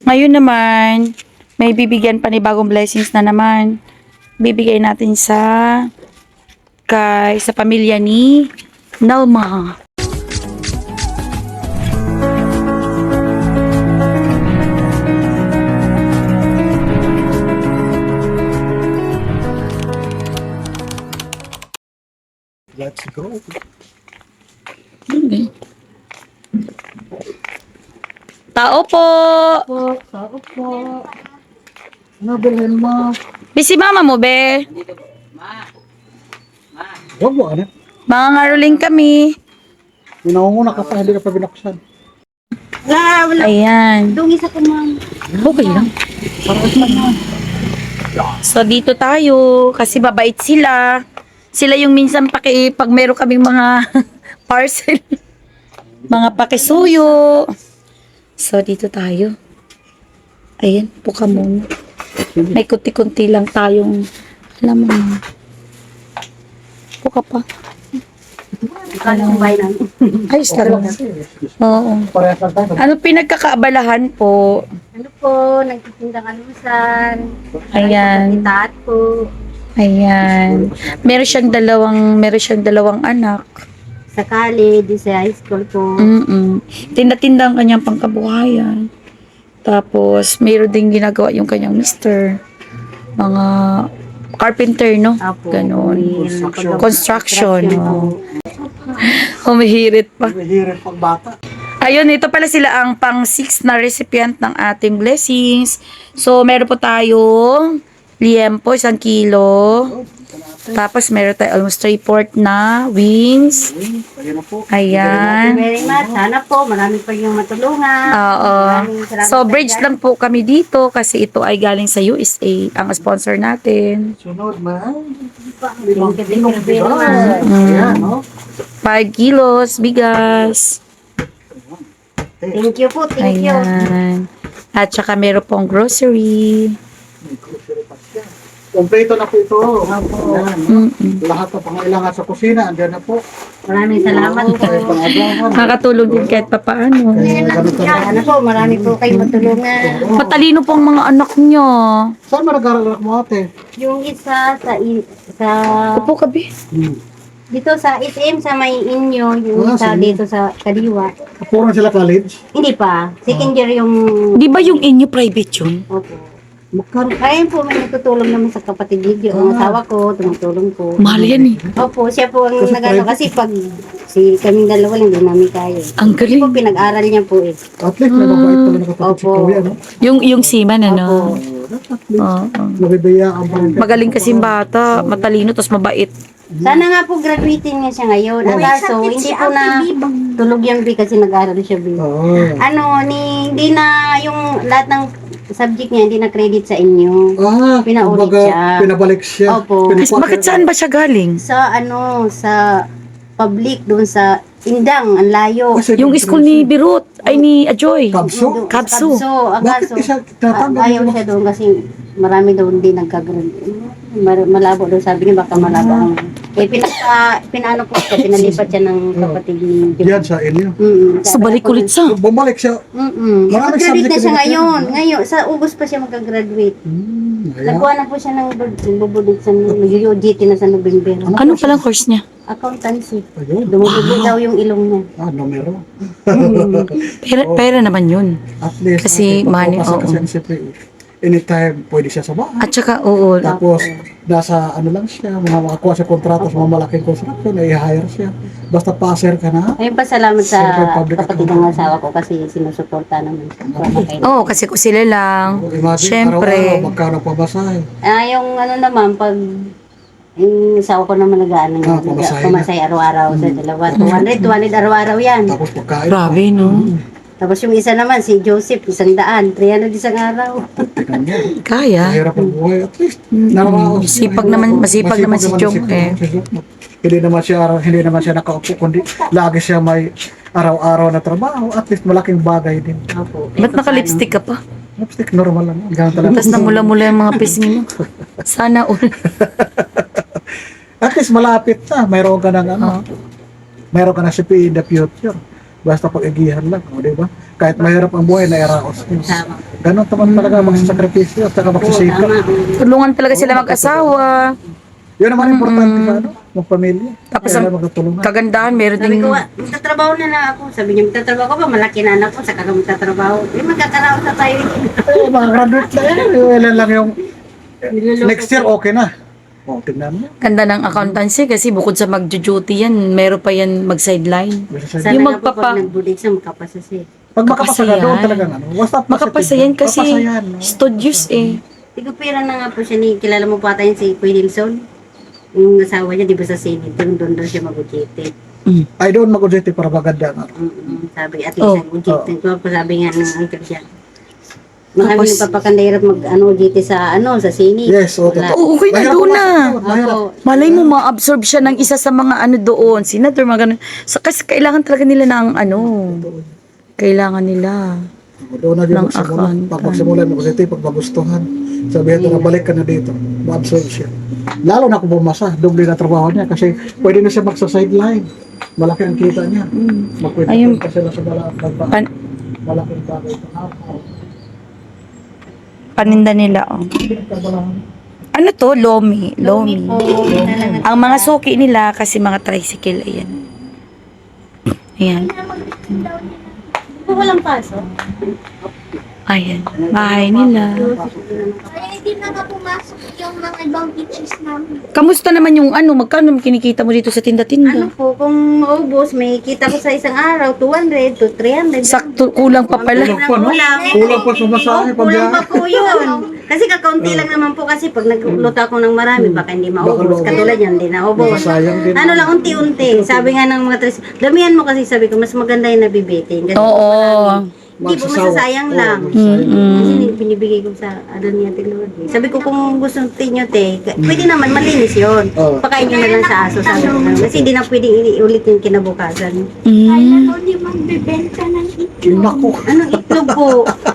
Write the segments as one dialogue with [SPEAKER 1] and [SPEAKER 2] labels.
[SPEAKER 1] Ngayon naman, may bibigyan pa ni bagong blessings na naman. Bibigay natin sa pamilya ni Nalma.
[SPEAKER 2] Let's go.
[SPEAKER 1] Okay. Tao po!
[SPEAKER 2] Tao po. Ano bilhin mo?
[SPEAKER 1] Busy mama mo, be?
[SPEAKER 2] Huwag mo, ano?
[SPEAKER 1] Mga ngaruling kami.
[SPEAKER 2] Pinangunguna ka pa, hindi ka pa binaksan.
[SPEAKER 3] Wala.
[SPEAKER 1] Ayan.
[SPEAKER 3] Dungis ako, ma'am.
[SPEAKER 1] Okay lang. So, dito tayo. Kasi mabait sila. Sila yung minsan pag meron kaming mga parcel. Mga pakisuyo. So, dito tayo. Ayan, puka muna. May kunti-kunti lang tayong, alam mo na. Puka pa.
[SPEAKER 3] Kala ko bahay namin.
[SPEAKER 1] Ayos lang. Oo.
[SPEAKER 2] Parehas lang tayo.
[SPEAKER 1] Ano pinagkakaabalahan po?
[SPEAKER 3] Ano po, nagtitindang alusan.
[SPEAKER 1] Ayan.
[SPEAKER 3] Itaat po.
[SPEAKER 1] Ayan. Meron siyang dalawang anak.
[SPEAKER 3] Sa college, sa high school po.
[SPEAKER 1] Tinda-tinda ang kanyang pangkabuhayan. Tapos, meron din ginagawa yung kanyang mister. Mga carpenter, no?
[SPEAKER 3] Apo.
[SPEAKER 1] Ganon.
[SPEAKER 2] Construction.
[SPEAKER 1] Construction.
[SPEAKER 3] po.
[SPEAKER 1] Oh. Humihirit pa.
[SPEAKER 2] Mahirap pag bata.
[SPEAKER 1] Ayun, ito pala sila ang pang-6 na recipient ng ating blessings. So, meron po tayong liempo, 1 kilo. Tapos, meron tayo almost 3/4 na wings.
[SPEAKER 2] Ayun na po.
[SPEAKER 1] Ayan.
[SPEAKER 3] Thank you very much. Sana po, marami pa yung matulungan.
[SPEAKER 1] Oo.
[SPEAKER 3] Maraming salamat
[SPEAKER 1] So, bridge
[SPEAKER 3] dyan.
[SPEAKER 1] lang po kami dito kasi ito ay galing sa USA, ang sponsor natin.
[SPEAKER 2] Sunod, man.
[SPEAKER 3] Thank you very much.
[SPEAKER 2] Ayan, no?
[SPEAKER 1] 5 kilos, bigas.
[SPEAKER 3] Thank you po, thank you.
[SPEAKER 1] Ayan. At saka meron pong grocery.
[SPEAKER 2] May grocery pa siya. Kompleto na po ito. Ayan, no? Lahat na pangailangan sa kusina, andyan na po.
[SPEAKER 3] Maraming salamat po.
[SPEAKER 2] Kahit pang-ablangan.
[SPEAKER 1] Makakatulong din kahit papaano.
[SPEAKER 2] Ganito na.
[SPEAKER 3] Sana po, marami po kayo matulungan.
[SPEAKER 1] Matalino po ang mga anak niya.
[SPEAKER 2] Saan mo nag-aaral mo ate?
[SPEAKER 3] Yung isa sa
[SPEAKER 1] Upo ka, be.
[SPEAKER 3] dito sa SM sa may inyo, yung isa
[SPEAKER 2] sige.
[SPEAKER 3] dito sa Kaliwa.
[SPEAKER 2] Puro sila college?
[SPEAKER 3] Hindi pa. Second year yung
[SPEAKER 1] Di ba yung inyo private yun?
[SPEAKER 3] opo.
[SPEAKER 2] Magkano?
[SPEAKER 3] Ayun po, may nagtutulong naman sa kapatid Gigi. Ang asawa ko, tumutulong po.
[SPEAKER 1] Mahal yan eh.
[SPEAKER 3] Opo, siya po ang
[SPEAKER 2] Kasi
[SPEAKER 3] nagano
[SPEAKER 2] private.
[SPEAKER 3] kasi pag kaming dalawa lang, hindi namin kaya.
[SPEAKER 1] Ang
[SPEAKER 3] Kasi po,
[SPEAKER 1] galing.
[SPEAKER 3] pinag-aral niya po eh.
[SPEAKER 2] At least may mabait pala na kapatid si
[SPEAKER 3] Opo.
[SPEAKER 2] Kuya, no?
[SPEAKER 1] Yung seaman, ano?
[SPEAKER 3] Opo.
[SPEAKER 2] At least,
[SPEAKER 1] Oo.
[SPEAKER 2] nabibiyaan pa rin.
[SPEAKER 1] Magaling kasing bata, matalino, tapos mabait.
[SPEAKER 3] Sana nga po graduating niya siya ngayon. Ang kaso, hindi po na tulog yung B kasi nag-aaral siya B.
[SPEAKER 2] Oo.
[SPEAKER 3] Hindi na yung lahat ng subject niya, hindi na credit sa inyo. Pinaulit
[SPEAKER 2] kumbaga,
[SPEAKER 3] siya.
[SPEAKER 2] Pinabalik siya.
[SPEAKER 3] Opo.
[SPEAKER 1] Bakit saan ba siya galing?
[SPEAKER 3] Sa public, doon sa Indang, ang layo.
[SPEAKER 2] Kasi
[SPEAKER 1] Yung school ni Birut, ay ni Ajoy.
[SPEAKER 2] Kabso?
[SPEAKER 1] Kabso.
[SPEAKER 3] Ang
[SPEAKER 2] Bakit
[SPEAKER 3] kaso,
[SPEAKER 2] isa tatanggal
[SPEAKER 3] ayaw
[SPEAKER 2] mo?
[SPEAKER 3] siya doon kasi marami doon din malabo doon, sabi niya baka malabo ang pinaano po siya, pinalipat siya ng kapatid ni
[SPEAKER 2] Yan sa inyo.
[SPEAKER 1] So, balik ulit sa.
[SPEAKER 2] Bumalik siya. Maraming
[SPEAKER 3] Mag-graduate
[SPEAKER 2] subject
[SPEAKER 3] na siya
[SPEAKER 2] na
[SPEAKER 3] ngayon. Ngayon, sa August pa siya mag-graduate.
[SPEAKER 2] Ayan.
[SPEAKER 3] Nagkuha na po siya ng bubudod sa UGT na sa November.
[SPEAKER 1] Ano palang course niya?
[SPEAKER 3] Accountancy.
[SPEAKER 2] Ayun.
[SPEAKER 3] Dumudugod daw yung ilong niya.
[SPEAKER 2] Numero.
[SPEAKER 1] Pera naman yun.
[SPEAKER 2] At least.
[SPEAKER 1] Kasi money, oo.
[SPEAKER 2] Kasi siyempre, anytime pwede siya sa bahay.
[SPEAKER 1] At saka, oo.
[SPEAKER 2] Tapos, nasa ano lang siya, makakuha siya kontrata sa mga malaking construction, i-hire siya. Basta passer ka na.
[SPEAKER 3] Ayun pa, salamat sa
[SPEAKER 2] Siyempre, public
[SPEAKER 3] kapatid ng asawa ko kasi sinusuporta naman siya.
[SPEAKER 1] Oo, kasi kung sila lang.
[SPEAKER 2] Imagine,
[SPEAKER 1] Siyempre.
[SPEAKER 2] araw-araw, magkano pa basahe.
[SPEAKER 3] Yung ano naman, pag yung asawa ko naman nag-ano,
[SPEAKER 2] Pumasay na.
[SPEAKER 3] pumasay araw-araw sa dalawa. 200 araw-araw yan.
[SPEAKER 2] Tapos pagkain.
[SPEAKER 1] Grabe, no?
[SPEAKER 3] Tapos yung isa naman, si Joseph, 100, 300 isang araw.
[SPEAKER 2] Tingnan mo.
[SPEAKER 1] Kaya.
[SPEAKER 2] Mahirap ang buhay. At least, naraos.
[SPEAKER 1] Masipag naman si Jong, eh.
[SPEAKER 2] Hindi naman siya nakaupo, kundi lagi siya may araw-araw na trabaho. At least malaking bagay din.
[SPEAKER 3] Opo.
[SPEAKER 1] Ba't naka-lipstick ka pa?
[SPEAKER 2] Lipstick, normal lang. Ganun talaga.
[SPEAKER 1] Tapos namula-mula yung mga pisngi mo. Sana all.
[SPEAKER 2] At least malapit na. Mayroon ka ng ano. Mayroon ka na CPE in the future. Basta pag-igihan lang. O, diba? kahit mahirap ang buhay, nairaos.
[SPEAKER 3] Tama.
[SPEAKER 2] Ganon naman talaga magsasakripisyo at saka
[SPEAKER 3] Oo,
[SPEAKER 2] magsisikap.
[SPEAKER 3] tama.
[SPEAKER 1] Tulungan talaga sila mag-asawa.
[SPEAKER 2] Yun naman importante sa ano, ng pamilya.
[SPEAKER 1] Tapos
[SPEAKER 2] Kaya
[SPEAKER 1] ang
[SPEAKER 2] magtutulungan.
[SPEAKER 1] kagandahan, meron
[SPEAKER 3] Sabi
[SPEAKER 1] ding...
[SPEAKER 3] ko, magtatrabaho na lang ako. Sabi niya, magtatrabaho ko ba? Malaki na anak ko, saka ka magtatrabaho. Magkakaraos na tayo.
[SPEAKER 2] Mga graduate na yan. Ilan lang yung
[SPEAKER 3] Niloloko
[SPEAKER 2] next year okay na. O, tignan mo.
[SPEAKER 1] Ganda ng accountancy kasi bukod sa mag-duty yan, meron pa yan mag-sideline.
[SPEAKER 3] Sana
[SPEAKER 1] Yung
[SPEAKER 3] nga po
[SPEAKER 1] magpapa-
[SPEAKER 3] pag nag-board exam, makapasa siya.
[SPEAKER 2] Pag makapasa ka doon
[SPEAKER 1] Makapasayan.
[SPEAKER 2] talaga ano. Basta
[SPEAKER 1] Makapasa yan kasi
[SPEAKER 2] Mapasayan, no?
[SPEAKER 1] studios eh.
[SPEAKER 3] Tigupira na nga po siya ni, kilala mo pa tayo si Kuya Nilsson. Yung asawa niya, di ba sa Senate, doon daw siya mag-ujete.
[SPEAKER 2] Ay doon mag-ujete para maganda nga.
[SPEAKER 3] Sabi, at
[SPEAKER 1] Oh.
[SPEAKER 3] least mag-ujete. Sabi nga ng uncle siya. Marami
[SPEAKER 1] Tapos-
[SPEAKER 3] nagpapakandahirap ujete sa sa Senate.
[SPEAKER 2] Yes, o
[SPEAKER 3] Wala.
[SPEAKER 2] totoo.
[SPEAKER 1] Oo, okay na
[SPEAKER 2] Mahirap
[SPEAKER 1] doon na.
[SPEAKER 2] pumasok, mahirap.
[SPEAKER 3] Ako,
[SPEAKER 1] Malay mo, ma-absorb siya ng isa sa mga ano doon. Senator, mga ganun. Kasi kailangan talaga nila ng ano. Kailangan nila.
[SPEAKER 2] Doon na din
[SPEAKER 1] Ng
[SPEAKER 2] magsimula.
[SPEAKER 1] account.
[SPEAKER 2] Pag magsimula, mag-ujete, pag magustuhan. Sabihin ko na balik ka na dito. Ma-absorb siya. Lalo na kung bumasa, doble na trabaho niya kasi pwede na siya magsa-sideline. Malaki ang kita niya.
[SPEAKER 1] Ayun.
[SPEAKER 2] Magkwenta sila sa
[SPEAKER 1] Pan-
[SPEAKER 2] malaking bagay sa araw.
[SPEAKER 1] paninda nila, oh. Ano to? Lomi. Lomi. Ang mga suki nila kasi mga tricycle, ayan. Ayan.
[SPEAKER 3] walang pasok.
[SPEAKER 1] Ayan. Bahay nila.
[SPEAKER 4] Kaya hindi na pumasok yung mga ibang beaches namin.
[SPEAKER 1] Kamusta naman yung ano? Magkano kinikita mo dito sa
[SPEAKER 3] Ano
[SPEAKER 1] tinda-tinda?
[SPEAKER 3] po, kung maubos, may kita ko sa isang araw, 200 to 300.
[SPEAKER 1] Sakto, kulang pa pala.
[SPEAKER 2] Kulang pa, no? Kulang pa sa masahe,
[SPEAKER 3] Oo, kulang pa
[SPEAKER 2] pagbiyahe.
[SPEAKER 3] po yun. Kasi kakaunti lang naman po kasi pag nagluto ako ng marami, baka hindi maubos.
[SPEAKER 2] Baka
[SPEAKER 3] Katulad yan, hindi naubos.
[SPEAKER 2] Sayang din.
[SPEAKER 3] Ano lang, unti-unti. Sabi nga ng mga damihan mo kasi sabi ko, mas maganda yung nabibitin. Kasi
[SPEAKER 1] Oo.
[SPEAKER 3] hindi po
[SPEAKER 2] Magsasawa.
[SPEAKER 3] masasayang lang.
[SPEAKER 2] Oo, magsasayang.
[SPEAKER 3] Kasi binibigay ko sa ano niya, Lord. Sabi ko kung gusto niyo, pwede naman malinis yun.
[SPEAKER 2] Oo.
[SPEAKER 3] Pakain nyo na lang sa aso. Sabi ko, kasi hindi na pwedeng iulit yung kinabukasan.
[SPEAKER 4] Kaya
[SPEAKER 1] Mm.
[SPEAKER 4] daw di magbibenta ng itlog.
[SPEAKER 2] Naku.
[SPEAKER 3] Anong itlog po?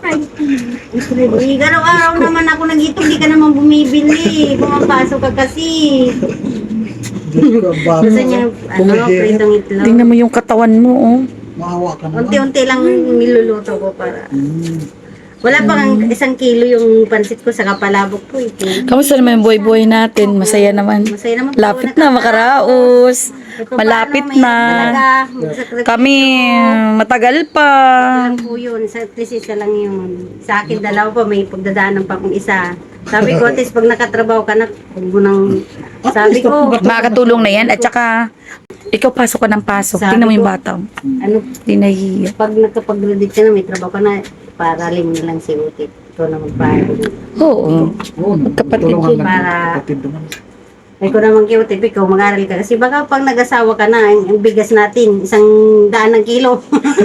[SPEAKER 3] Araw-araw naman ako nag-itlog, di ka naman bumibili. Pumapasok ka kasi.
[SPEAKER 2] Diyos ko, ang bata.
[SPEAKER 3] Gusto niya, pritong itlog.
[SPEAKER 1] Tingnan mo yung katawan mo, oh.
[SPEAKER 2] Maawa ka naman.
[SPEAKER 3] Unti-unti lang niluluto ko para. Wala pang 1 kilo yung pansit ko sa kapalabok ko.
[SPEAKER 1] Kamusta naman yung buhay-buhay natin? Masaya naman.
[SPEAKER 3] Masaya naman po.
[SPEAKER 1] Lapit na, makaraos.
[SPEAKER 3] Ito
[SPEAKER 1] Malapit
[SPEAKER 3] paano,
[SPEAKER 1] na.
[SPEAKER 3] may talaga.
[SPEAKER 1] Kami, matagal pa.
[SPEAKER 3] Lang po yun. Sa at least isa lang yun. Sa akin, dalawa pa. May pagdadaanan pa kung isa. Sabi ko, at least pag nakatrabaho ka na, huwag mo nang... Sabi ko,
[SPEAKER 1] Makakatulong na yan. At saka, ikaw pasok ka ng pasok.
[SPEAKER 3] Sabi
[SPEAKER 1] Tingnan mo yung
[SPEAKER 3] ko-
[SPEAKER 1] bata.
[SPEAKER 3] ano,
[SPEAKER 1] Hindi nahihiya.
[SPEAKER 3] pag nakapag-graduate ka na, may trabaho ka na, paralin mo lang si Utit. Ito na magpahalin.
[SPEAKER 1] Oo.
[SPEAKER 2] Oo,
[SPEAKER 1] Magkapatid
[SPEAKER 2] tulungan
[SPEAKER 1] yun.
[SPEAKER 2] lang.
[SPEAKER 3] Para-
[SPEAKER 2] Kapatid naman.
[SPEAKER 3] Ay ko naman kay Utit, ikaw mag-aral ka. Kasi baka pag nag-asawa ka na, ang bigas natin, 100 kilo.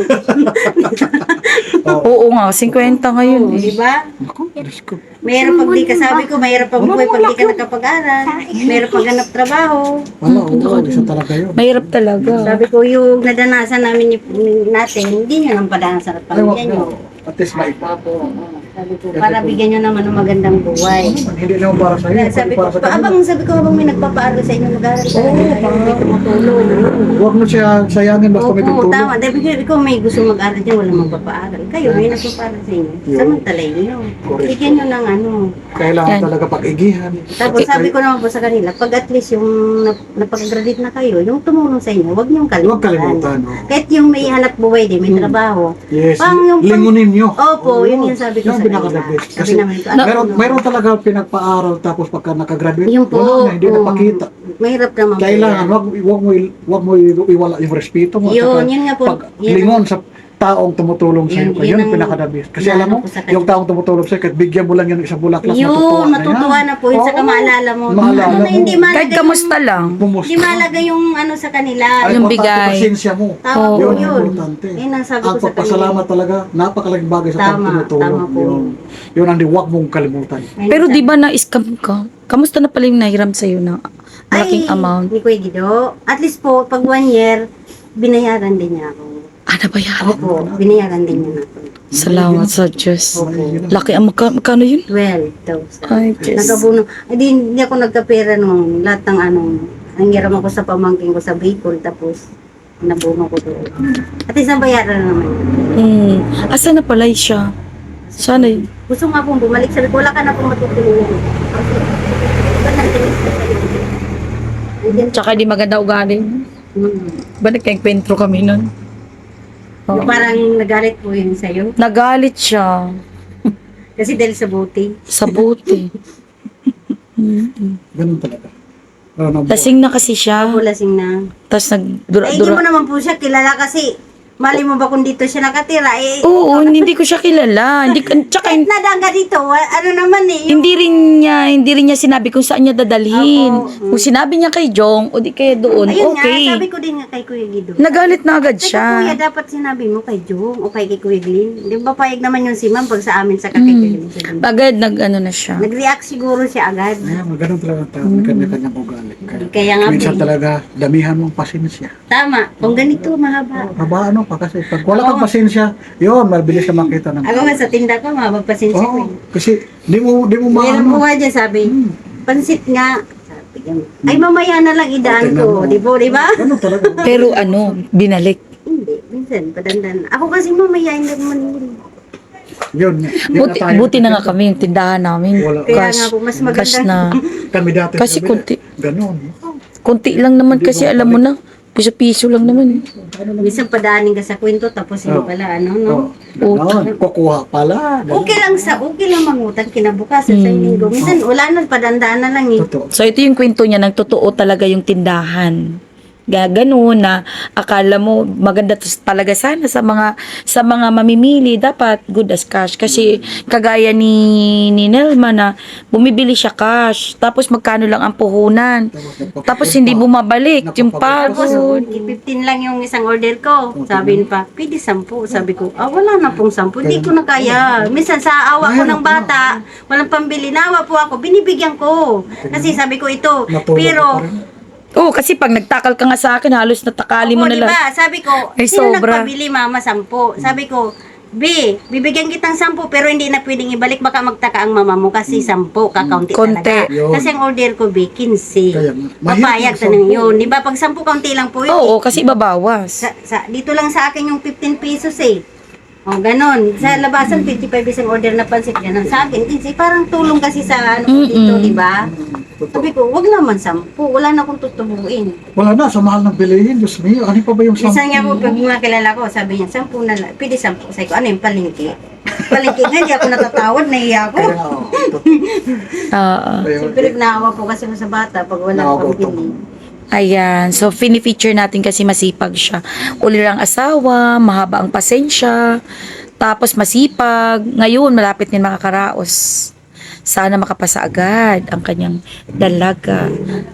[SPEAKER 1] Oo nga, 50 ngayon eh.
[SPEAKER 3] Di ba?
[SPEAKER 2] Naku, Diyos ko.
[SPEAKER 3] Mahirap pag di ka, sabi ko, mahirap pag buhay pag di ka nakapag-aral. Mahirap pag ganap trabaho.
[SPEAKER 2] Wala, oo, isa talaga yun.
[SPEAKER 1] Mahirap talaga.
[SPEAKER 3] Sabi ko, yung nadanasan namin natin, hindi nyo lang padanasan at
[SPEAKER 2] Ay, wag
[SPEAKER 3] pamilya nyo.
[SPEAKER 2] na. At least maipa.
[SPEAKER 3] Sabi ko, para bigyan nyo naman ng magandang buhay.
[SPEAKER 2] Hindi naman para sa iyo,
[SPEAKER 3] Sabi ko,
[SPEAKER 2] para sa kanila.
[SPEAKER 3] sabi ko, habang may nagpapaaral sa inyo, mag-aaral ka lang kayo, may tumutulong.
[SPEAKER 2] Huwag mo siya sayangin basta may
[SPEAKER 3] Opo,
[SPEAKER 2] tutulong.
[SPEAKER 3] tama. Dahil ikaw may gusto mag-aral dyan, walang magpapaaral. Kayo, may nagpapaaral sa inyo.
[SPEAKER 2] Yun.
[SPEAKER 3] Samantalay nyo.
[SPEAKER 2] Correct.
[SPEAKER 3] Bigyan nyo ng ano.
[SPEAKER 2] Kailangan
[SPEAKER 1] Yan.
[SPEAKER 2] talaga pag-igihan.
[SPEAKER 3] Tapos sabi ko naman po sa kanila, pag at least yung napag-graduate na kayo, yung tumulong sa inyo, huwag niyong
[SPEAKER 2] Huwag
[SPEAKER 3] kalimutan.
[SPEAKER 2] kalimutan. no?
[SPEAKER 3] Kahit yung may hanap buhay din, may trabaho.
[SPEAKER 2] Yes,
[SPEAKER 3] Pang-
[SPEAKER 2] lingunin nyo.
[SPEAKER 3] Opo, yun yung sabi ko
[SPEAKER 2] Yan
[SPEAKER 3] sa
[SPEAKER 2] ang
[SPEAKER 3] kanila.
[SPEAKER 2] pinaka-the best.
[SPEAKER 3] Sabi
[SPEAKER 2] Kasi
[SPEAKER 3] naman ito,
[SPEAKER 2] mayroon talaga pinagpa-aral tapos pagka nakagraduate,
[SPEAKER 3] Yung po,
[SPEAKER 2] wala na, hindi
[SPEAKER 3] oo.
[SPEAKER 2] napakita.
[SPEAKER 3] Mahirap naman po
[SPEAKER 2] Kailangan,
[SPEAKER 3] yan.
[SPEAKER 2] wag mo iwala yung respeto mo. at
[SPEAKER 3] Yun,
[SPEAKER 2] saka
[SPEAKER 3] yun nga po.
[SPEAKER 2] Pag
[SPEAKER 3] Yun.
[SPEAKER 2] lingon sa taong tumutulong sa iyo,
[SPEAKER 3] Yun
[SPEAKER 2] yun ang
[SPEAKER 3] ang
[SPEAKER 2] pinaka-the best. Kasi
[SPEAKER 3] inaano
[SPEAKER 2] alam mo,
[SPEAKER 3] ko sa kanya.
[SPEAKER 2] yung taong tumutulong sa iyo, kahit bigyan mo lang yan ng isang bulaklak,
[SPEAKER 3] Yun, matutuwa na po. Yun sa
[SPEAKER 2] Oo.
[SPEAKER 3] maalala mo.
[SPEAKER 2] Maalala
[SPEAKER 3] Ano na,
[SPEAKER 2] mo.
[SPEAKER 3] hindi
[SPEAKER 1] Kahit
[SPEAKER 3] malaga
[SPEAKER 1] kamusta lang.
[SPEAKER 2] Bumusta.
[SPEAKER 3] Hindi malaga yung ano sa kanila.
[SPEAKER 2] Ay,
[SPEAKER 1] Yung
[SPEAKER 2] importante,
[SPEAKER 1] bigay.
[SPEAKER 2] pasensya mo.
[SPEAKER 3] Tama po
[SPEAKER 2] Yun ang
[SPEAKER 3] yun.
[SPEAKER 2] importante.
[SPEAKER 3] Yun ang sabi ko
[SPEAKER 2] Ang
[SPEAKER 3] sa kanila.
[SPEAKER 2] pagpasalamat talaga, napakalaking bagay sa
[SPEAKER 3] Tama,
[SPEAKER 2] pagtutulong.
[SPEAKER 3] tama po.
[SPEAKER 2] Yun ang huwag mong kalimutan.
[SPEAKER 3] Ayun
[SPEAKER 1] Pero
[SPEAKER 3] sabi-
[SPEAKER 1] di ba na-scam ka? Kamusta na pala yung nahiram sa'yo na malaking amount?
[SPEAKER 3] Ni Kuya Guido, at least po, pag 1 year, binayaran din niya ako.
[SPEAKER 1] Ano ba yan?
[SPEAKER 3] Opo, binayaran din niya ako.
[SPEAKER 1] Salamat sa Diyos.
[SPEAKER 3] Opo.
[SPEAKER 1] Laki ang magkano yun?
[SPEAKER 3] 12,000.
[SPEAKER 1] Ay, Diyos.
[SPEAKER 3] Nagabuno. Ay, hindi ako nagkapera nung lahat ng anong, nangiram ako sa pamangkin ko sa Bicol, tapos Nabungo ko doon. At least nabayaran na naman.
[SPEAKER 1] Asa na pala siya? Sana yun.
[SPEAKER 3] Gusto nga pong bumalik. Sabi ko, wala ka na pong matutulungan. Kasi, wala na tinis na sa'yo. Andyan.
[SPEAKER 1] Tsaka di maganda ugali. Ba nagkainkwentro kami nun? Oo.
[SPEAKER 3] Parang nagalit po yun sa'yo.
[SPEAKER 1] Nagalit siya.
[SPEAKER 3] Kasi dahil sa buti.
[SPEAKER 1] Sa buti.
[SPEAKER 2] Ganun talaga.
[SPEAKER 1] Lasing na kasi siya.
[SPEAKER 3] Lasing na.
[SPEAKER 1] Tapos
[SPEAKER 3] Ay, hindi mo naman po siya kilala kasi mali mo ba kung dito siya nakatira? Eh,
[SPEAKER 1] Oo, hindi ko siya kilala. Tsaka
[SPEAKER 3] kahit nadaan ka dito, ano naman eh.
[SPEAKER 1] hindi rin niya sinabi kung saan niya dadalhin.
[SPEAKER 3] Opo.
[SPEAKER 1] Kung sinabi niya kay Jong, o di kaya doon,
[SPEAKER 3] Ayun
[SPEAKER 1] okay.
[SPEAKER 3] nga, sabi ko din nga kay Kuya Guido.
[SPEAKER 1] Nagalit na agad
[SPEAKER 3] Teka
[SPEAKER 1] siya.
[SPEAKER 3] kuya, dapat sinabi mo kay Jong o kay Kuya Glenn. Di ba payag naman yung si ma'am pag sa amin sa kay Kuya Glenn.
[SPEAKER 1] Agad nag-ano na siya.
[SPEAKER 3] Nag-react siguro siya agad.
[SPEAKER 2] Ayan, ganun talaga ang tao. May kanya-kanyang ugali.
[SPEAKER 3] Kaya nga
[SPEAKER 2] Minsan
[SPEAKER 3] po.
[SPEAKER 2] talaga, damihan mong pasensya.
[SPEAKER 3] Tama, kung ganito mahaba.
[SPEAKER 2] Haba ano pa kasi pag wala kang pasensya, yun, mabilis ka makita ng
[SPEAKER 3] Ako nga sa tinda ko, mahaba pasensya ko.
[SPEAKER 2] Oo, kasi di mo
[SPEAKER 3] Meron po
[SPEAKER 2] maano.
[SPEAKER 3] nga dyan, sabi, pansit nga. Sabi niya, ay mamaya na lang idaan ko. Di ba?
[SPEAKER 2] Ganun talaga.
[SPEAKER 1] Pero binalik.
[SPEAKER 3] Hindi, minsan, padandan. Ako kasi mamaya, hindi naman yun.
[SPEAKER 2] Yun.
[SPEAKER 1] Buti na nga kami yung tindahan namin.
[SPEAKER 2] Wala.
[SPEAKER 3] Kaya nga po, mas maganda.
[SPEAKER 1] Cash na.
[SPEAKER 2] Kami dati.
[SPEAKER 1] Kasi
[SPEAKER 2] sabi,
[SPEAKER 1] kunti.
[SPEAKER 2] Ganun.
[SPEAKER 1] Konti lang naman kasi alam mo na. Piso-piso lang naman.
[SPEAKER 3] Minsan padaanin ka sa kwento, tapos hindi pala, ano, no?
[SPEAKER 2] Oh, ganun. Kukuha pala. Ganun.
[SPEAKER 3] Okay lang mangutang kinabukasan sa linggo. Minsan, wala na, padandaan na lang eh.
[SPEAKER 2] Totoo.
[SPEAKER 1] So ito yung kwento niya, nang totoo talaga yung tindahan. Ganun na akala mo maganda talaga sana sa mga mamimili, dapat good as cash kasi kagaya ni Nelma na bumibili siya cash tapos magkano lang ang puhunan tapos hindi bumabalik yung
[SPEAKER 3] Tapos,
[SPEAKER 1] pagod.
[SPEAKER 3] 15 lang yung isang order ko. Sabi niya pa, pwede 10. Sabi ko, wala na pong 10. Hindi ko na kaya. Minsan sa awa ko ng bata, walang pambili. Nawa po ako, binibigyan ko. Kasi sabi ko ito,
[SPEAKER 2] Natulog
[SPEAKER 3] pero,
[SPEAKER 2] ka pa rin.
[SPEAKER 1] Oo, kasi pag nagtakal ka nga sa akin halos natakali mo
[SPEAKER 3] opo,
[SPEAKER 1] na lang.
[SPEAKER 3] diba? Sabi ko,
[SPEAKER 1] Ay,
[SPEAKER 3] sino
[SPEAKER 1] sobra.
[SPEAKER 3] nagpabili mama 10? Sabi ko, B, bibigyan kitang 10 pero hindi na pwedeng ibalik, baka magtaka ang mama mo kasi 10, kakaunti
[SPEAKER 1] Konti.
[SPEAKER 3] talaga.
[SPEAKER 2] Yun.
[SPEAKER 3] Kasi ang order ko, B, 15.
[SPEAKER 2] Kaya nga.
[SPEAKER 3] Papayag
[SPEAKER 2] Mahirap
[SPEAKER 3] sa
[SPEAKER 2] yung 10.
[SPEAKER 3] yun. Di ba? Pag 10 kaunti lang po yun.
[SPEAKER 1] Oo, kasi babawas.
[SPEAKER 3] Dito lang sa akin yung 15 pesos eh. O, ganon. Sa labasan, 55 isang order na pansit. Ganon sa akin. Kasi parang tulong kasi sa ano ko dito, di ba? Sabi ko, wag naman 10. Wala na akong tutubuin.
[SPEAKER 2] Wala na, sa mahal ng bilihin. Diyos mio, ano pa ba yung
[SPEAKER 3] Minsan nga po,
[SPEAKER 2] 10?
[SPEAKER 3] pag mga kilala ko, sabi niya, 10 na lang. Pwede 10. Sabi ko, ano yung palengke? Palengke nga, di ako natatawad, nahiya ako.
[SPEAKER 2] Kaya nga,
[SPEAKER 1] Oo.
[SPEAKER 2] ayun.
[SPEAKER 3] Siyempre, naawa po kasi ako sa bata pag wala
[SPEAKER 2] Naawa
[SPEAKER 3] akong
[SPEAKER 2] ko.
[SPEAKER 3] bili.
[SPEAKER 1] Ayan. So, fini-feature natin kasi masipag siya. Ulirang asawa, mahaba ang pasensya, tapos masipag. Ngayon, malapit din makakaraos. Sana makapasa agad ang kanyang dalaga.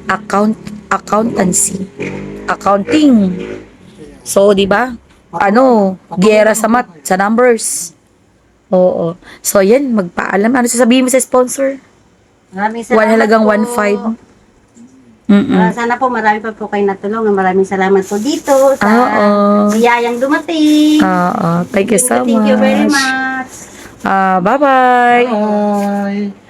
[SPEAKER 1] Accountancy. Accounting. So, di ba? Giyera sa sa numbers. Oo. So, yan, magpaalam. Ano sasabihin mo sa sponsor?
[SPEAKER 3] Maraming salamat
[SPEAKER 1] Halagang
[SPEAKER 3] po.
[SPEAKER 1] 1.5. Mm-mm.
[SPEAKER 3] Sana po marami pa po kayo natulungan. Maraming salamat po dito sa
[SPEAKER 1] Oo.
[SPEAKER 3] biyayang dumating.
[SPEAKER 1] Oo. Thank you so much.
[SPEAKER 3] Thank you very much.
[SPEAKER 1] Bye-bye.
[SPEAKER 2] Bye.